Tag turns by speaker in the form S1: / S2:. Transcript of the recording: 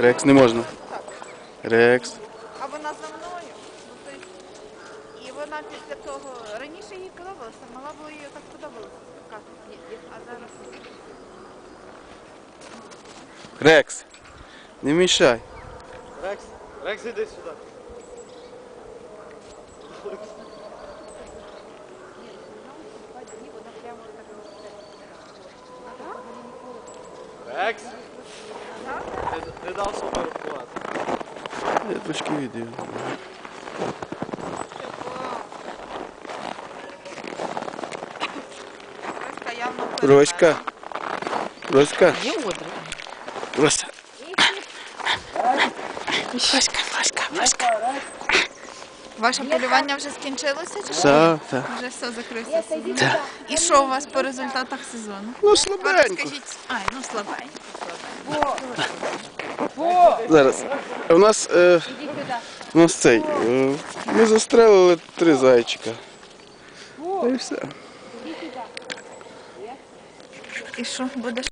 S1: Рекс не можна. Рекс.
S2: А вона за мною. І вона після того, раніше їй подобалося, мала було їй так подобалося скакати. А зараз
S1: Рекс. Не мішай.
S3: Рекс, Рекс, іди сюди.
S2: вона прямо так.
S3: Рекс, ти дав сфотографувати.
S1: Я трошки відео.
S2: Роська явно
S1: Роська. Роська.
S4: Є одра.
S1: Рося. Роська.
S2: Ваше полювання вже скінчилося чи що?
S1: Так, так.
S2: Вже все закрився сезон.
S1: Так.
S2: І що у вас по результатах сезону?
S1: Ну,
S2: Ви
S1: слабенько.
S2: розкажіть. Ай, ну слабенько.
S1: Зараз. У нас цей. Ми застрелили 3 зайчика. І все.
S2: І що, будеш?